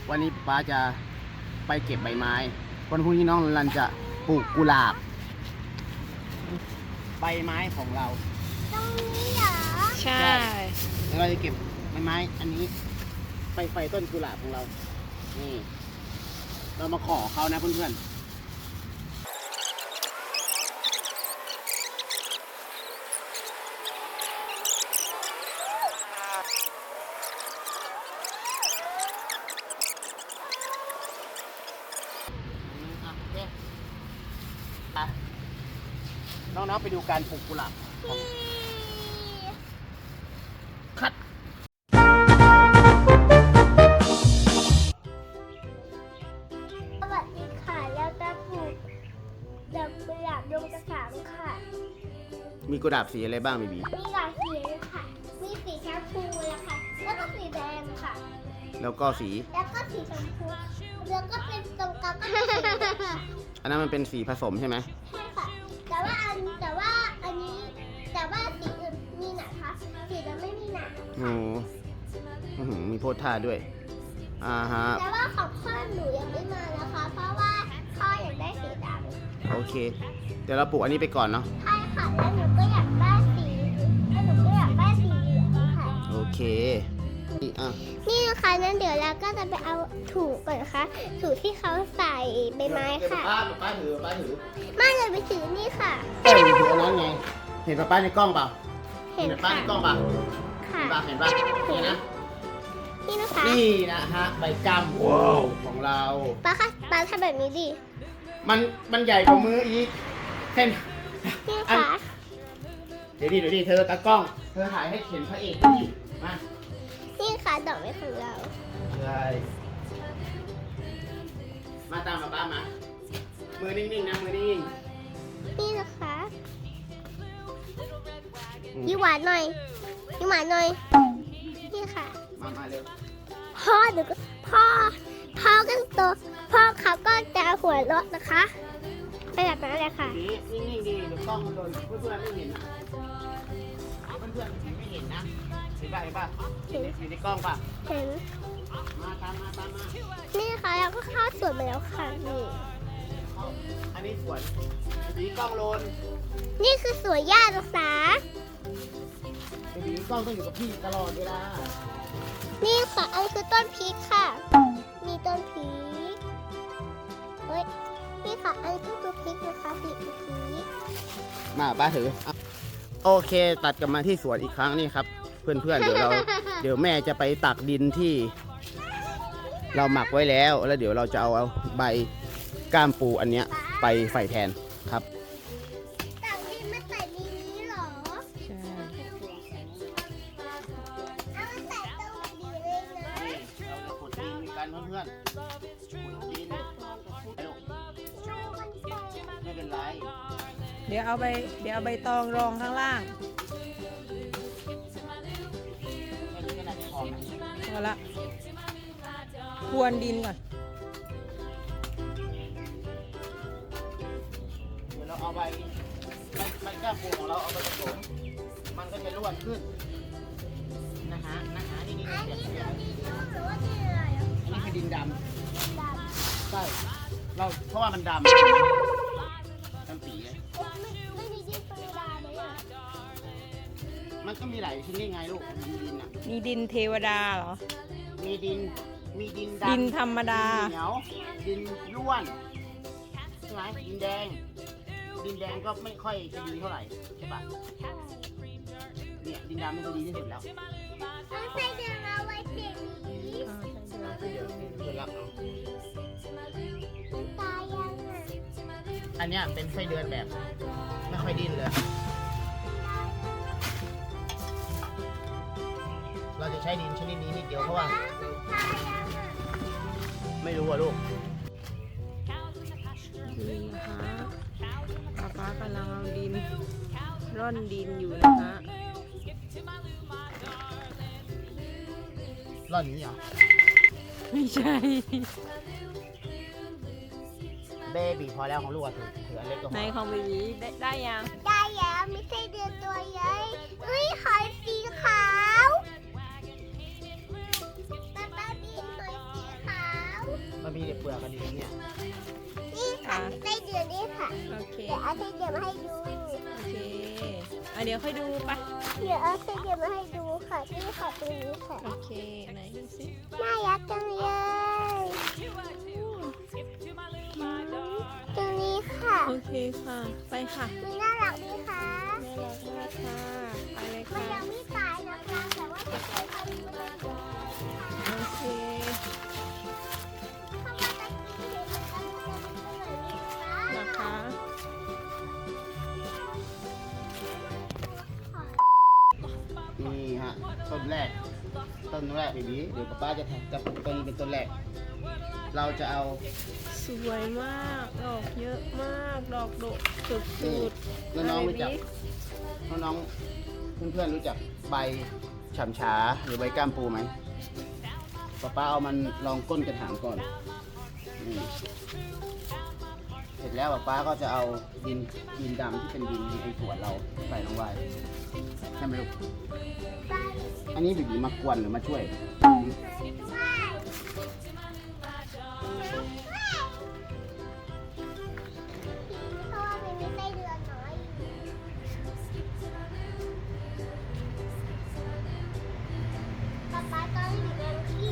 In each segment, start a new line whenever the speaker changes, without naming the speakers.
วันนี้ป้าจะไปเก็บใบไม้วันพรุ่งนี้น้องลันจะปลูกกุหลาบใบไม้ของเรา
ตรงนี้เหรอ
ใช่
แล้วเราจะเก็บใบไม้อันนี้ไปไฟต้นกุหลาบของเรานี่เรามาขอเขานะเพื่อนๆน้องๆไปดูการปลูกกุหลาบคัด
สวัสดีค่ะแล้วจะปลูกดอกกุหลาบดงกระถางค่ะ
มีกุหลาบสีอะไรบ้างบีบี
มีหลายสีค่ะมีสีชมพูแล้วค่ะแล้วก็สีแดงค่ะ
แล้วก็สี
ชมพูแล้วก็เป็นตรงกลางก็เป็นสีค่ะ
อันนั้นมันเป็นสีผสมใช่ไหม
ใช่ค่ะแต่ว่าอันนี้สีอื่นมีหนาคะสีจะไม่มีหนา
โอ้มีโพสท่าด้วยฮะ
แต่ว่าของพ่อหนูยังไม่มานะคะเพราะว่าพ่ออยากได้สีด
ำโอเคเดี๋ยวเราปลูกอันนี้ไปก่อนเนาะ
ใช่ค่ะแล้วหนูก็อยากได้สีเหลืองค่ะ
โอเค
นี่นะคะนั้นเดี๋ยวเราก็จะไปเอาถุงก่อนนะคะถุงที่เขาใส่ใบไม้ค่ะ
ป้าถือ
ไม่เลยไปถือนี่ค่ะ
ถืออันนั้นไงเห็นป้าในกล้องเปล่า
เห็น
ป้าในกล้องเปล่า
ค่ะ
เห็นป่ะนี่นะ
นี่นะคะ
นี่นะฮะใบกล้ามของเรา
ป้าทำแบบนี้ดิ
มันใหญ่กว่ามืออีกเห็น
นี่ค่ะ
เดี๋ยวดิเธอตากล้องเธอถ่ายให้เห็นพระเอกดิมา
นี่ค่ะดอกไม้ของเรา
ใช่มาตามป้ามามือนิ่งๆนะมือนิ่ง
นี่นะคะยิ้มหวานหน่อยนี่ค่ะ
มาเร็ว
พ่อกันตัวพ่อเขาก็จะหัวเราะนะคะไปแบบนั้นเลยค่ะ
นิ่งๆดีเดี๋ยวกล้องมันโดนเพื่อนๆไม่เห็นนะเพื่อนๆไม่เห็นนะเห็นป่ะเห็นในกล้องป่ะ
เห็น
มาตามมา
นี่ค่ะเราก็เข้าสวนไปแล้วค่ะนี่
อันนี้สวนสีกล้องโลน
นี่คือสวนหญ้าศึกษา
สีกล้องต้องอยู่กับพี่ตลอดเวลา
นี่ค่ะอันคือต้นพริกค่ะมีต้นพริกนี่ค่ะอันคือต้นพริกนะคะพริก
มาป้าถือโอเคตัดกลับมาที่สวนอีกครั้งนี่ครับเพื่อนๆเดี๋ยวแม่จะไปตักดินที่เราหมักไว้แล้วเดี๋ยวเราจะเอาใบก้ามปูอันเนี้ยไปใส่แทนครับ
ตักดินมาใส่ในนี้หรอ
ใช่
เอามาใส่ตรงนี้เลยนะ
เราจะขุดดินกันเพื่อนๆขุดดินไม่เป็นไร
เดี๋ยวเอาใบตองรองข้างล่างพอละพรวนดินก่อน
เดี๋ยวเราเอาใบก้ามปูของเราเอาไปผสมมันก็จะร่วนขึ้นนะฮะนี่
อันนี้
คือ
ดินหรือว่าดินอะไรอ่ะ
อันนี้คือดินดำใช่เพราะว่ามันดำปี
ไม่มีดินธรรมดาเลยอ่ะ
มันก็มีหลายชนิดไงลูกดินอ่ะ
มีดินเทวดาเหรอ
มีดินดำ
ดินธรรมดา
เหนียวดินร่วนใช่ไหมดินแดงก็ไม่ค่อยจะดีเท่าไหร่ใช่ปะเนี่ยดินดำนี่ก็ดีที่สุดแล้ว
ใส่เดือนเอาไว้เก็บนี้
รับเอา
ตายยังอ่ะ
อันเนี้ยเป็นไส้เดือนแบบไม่ค่อยดิ้นเลยเราจะใช้ดินชนิดนี้นิดเดียวเพราะว่าไม่รู้อะลูก
นี่นะคะป้ากำลังเอาดินร่อนดินอยู่นะคะ
ร่อนนี้เหรอ
ไม่ใช่
เบบีพอแล้วของลูกถืออันเล็กก็พอ
ในของเบบีได้ยัง
ได้แล้วไม่ใช่เดือนตัวใหญ่หอยสีขาวป้าบินหอยสีขาว
อะดินเนี่ย
นี่ค่ะไส้เดือนนี่ค่ะ
โอเค
เดี๋ยวเอาไส้เดือนมาให้ดู
โอเคเดี๋ยวค่อยดูไป
เดี๋ยวเอาไส้เดือนมาให้ดูค่ะนี่ค่ะตรงนี้ค่ะ
โอเคไหนดูสิ
น่ารักจังเลยตรงนี้ค่ะ
โอเคค่ะ ไปค่ะ
มีน่ารักดีค่ะ
น่ารักมากค่ะ ไปเลย
มัน
ค่ะ
ยังไม่ตายนะคะแต่ว่าจะเคยทำมัน
โอเค
เข้ามาตะกี้เห็นมันกันเลยนะ
นะคะ
นี่ฮะต้นแรกเบบี้เดี๋ยวป้าจะปลูกต้นเป็นต้นแรก เราจะเอา
สวยมากดอกเยอะมากดอกดกสุด
นี่
ๆ
น้องๆรู้จัก
เบบี้
น้องๆเพื่อนๆรู้จักใบฉ่ำฉาหรือใบก้ามปูไหมป้าเอามันลองก้นกระถางก่อนนี่เสร็จแล้วป้าก็จะเอาดินดำที่เป็นดินในสวนเราใส่ลงไว้ใช่ไหมลูก อันนี้บีบีมากวนหรือมาช่วย
เพราะว่ามันมีไส้เดือนน้อยป๊าป๊าตอนอยู่ในที่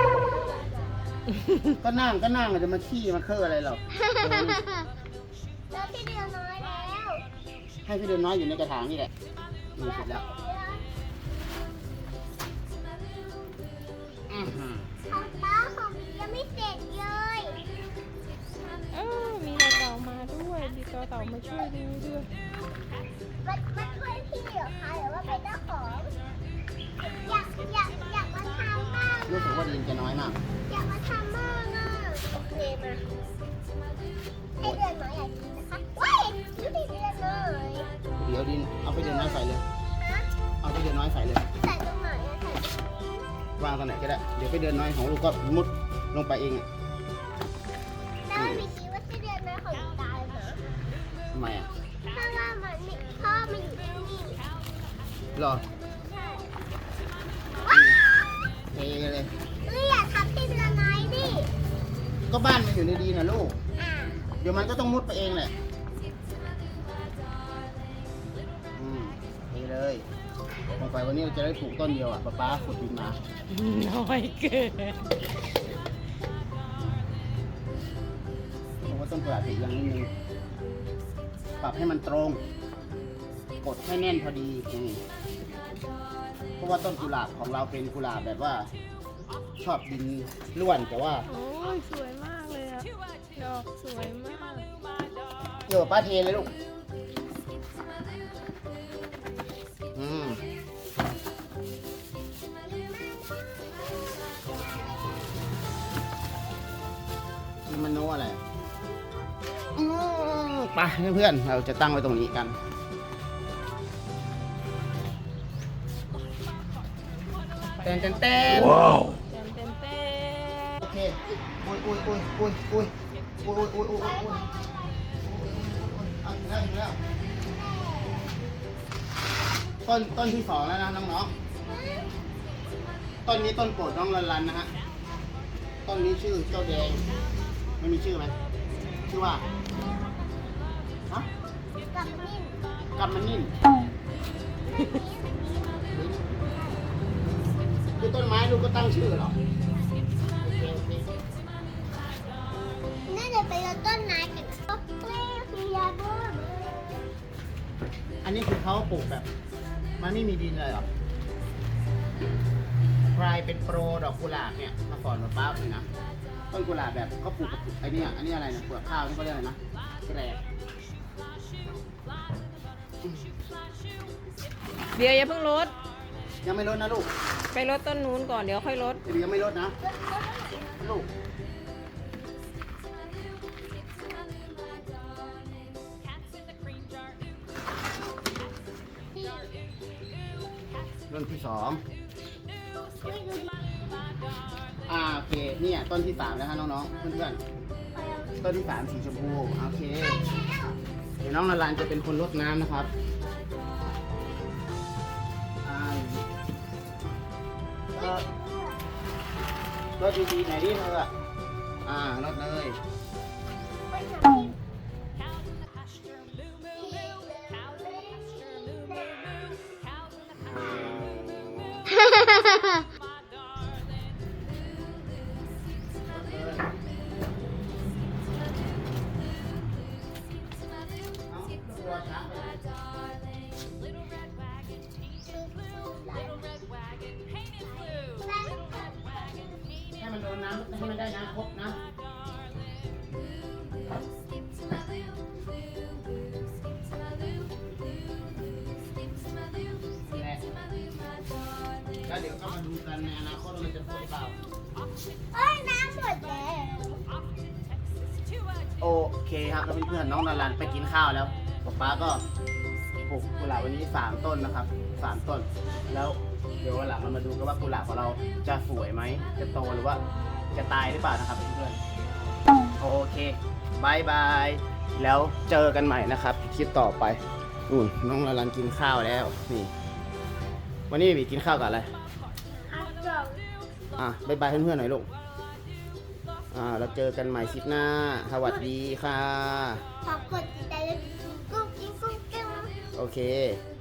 ก็นั่งจะมาขี้มาเคอะอะไรหรอก
แล้วไส้เดือนน้อยแล้ว
ให้พี่เดินน้อยอยู่ในกระถางนี่แหละดูเสร็จแล้วอื้อหือ
ของป้าของยังไม่เสร็จเลย
มีเต่ามาด้วยมีเต่ามาช่วยดูด้วย
มาช่วยพี่เหรอคะหรือว่าเป็นเจ้าของอยากมาทำบ้าง
รู้สึกว่าดินจะน้อยมาก
อยากมาทำบ้างอ่ะโอเคมาให้เดือนน้อยอยากกินนะคะว้ายดูดิเดือนน้อย
เดี๋ยวดินเอาไปเดินน้อยใส่เลย
ฮะ
เอาไปเดินน้อยใส่เลย
ใส่ตรงไหนอะใส่
วางตรงไหนก็ได้ เดี๋ยวไปเดินน้อยของลูกก็มุดลงไปเองอ่ะ
แล้วไม่คิดว่าไส้เดือนน้อยของหนูตายเหรอ
ทำไมอ่ะ
เพราะว่ามันนี่พ่อมันอยู่ที่นี่
หรอ
ใช่
เทเลย
อย่าทำไส้เดือนน้อยดิ
ก็บ้านมันอยู่ในดินนะลูก
อ่ะ
เดี๋ยวมันก็ต้องมุดไปเองแหละเทเลยลงไปวันนี้เราจะได้ปลูกต้นเดียวอ่ะป๊าขุดดินมา
น้อยเกิน
เพราะว่าต้นกระดาษติดยังนิดนึงปรับให้มันตรง กดให้แน่นพอดีนี่เพราะว่าต้นกุหลาบของเราเป็นกุหลาบแบบว่า ชอบดินร่วนแต่ว่า
โอ้ยสวยมากเลยอะดอกสวยมาก
เดี๋ยวป้าเทเลยลูกนี่มันโน้อะไรไปเพื่อนๆเราจะตั้งไว้ตรงนี้กันเต้นว้าว
เต็มเต็ม
โอเคอุ้ยเอาถึงแล้วต้นที่สองแล้วนะน้องๆต้นนี้ต้นโปรดน้องลันนะฮะต้นนี้ชื่อเจ้าแดงไม่มีชื่อไหมชื่อว่าฮะ
กับนิ่ม
กัมมันนิ่มคือต้นไม้ลูกก็ตั้งชื่อเหรอโอเค
น่าจะเป็นต้นไม้กับต้นกล้วยคือยาบ้า
อันนี้คือเขาปลูกแบบ มันไม่มีดินเลยเหรอใครเป็นโปรดอกกุหลาบเนี่ยมาสอนมาป้าเลยนะต้นกุหลาบแบบเขาปลูกกับไอ้นี่อันนี้อะไรนะเปลือกข้าวนี่เขาเรียกอะไรนะแกรบ
เดี๋ยวอย่าเพิ่งลด
ยังไม่ลดนะลูก
ไปลดต้นนู้นก่อนเดี๋ยวค่อยลด
เดี๋ยวยังไม่ลดนะลูกต้นที่สองโอเคเนี่ยต้นที่สามแล้วฮะน้องๆเพื่อนๆต้นที่สามสีชมพูโอเคเดี๋ยวน้องนารันจะเป็นคนรดน้ำนะครับรดดีๆไหนดิเธอรดเลย ให้มันโดนน้ำให้มันได้น้ำครบนะนี่แหละแล้วเดี๋ยวก็มาดูกันในอนาคตว่ามันจะครบหรือเปล่า
เอ้ยน้ำหมดแล้ว
โอเคครับแล้วเพื่อนๆน้องนารันไปกินข้าวแล้วป๊าก็ปลูกกุหลาบวันนี้3 ต้นนะครับ3 ต้น แล้วเดี๋ยววันหลังเรามาดูกันว่ากุหลาบของเราจะสวยไหมจะโตหรือว่าจะตายหรือเปล่านะครับเพื่อนๆโอเคบายบายแล้วเจอกันใหม่นะครับคลิปต่อไปน้องนารันกินข้าวแล้วนี่วันนี้บีกินข้าวกับอะไร
ครับจบ
บายบายเพื่อนๆหน่อยลูกเราเจอกันใหม่คลิปหน้าสวัสดีค่ะ
ขอบกดติดตามกุ้งกิ้งกุ้งกิ้ง
โอเค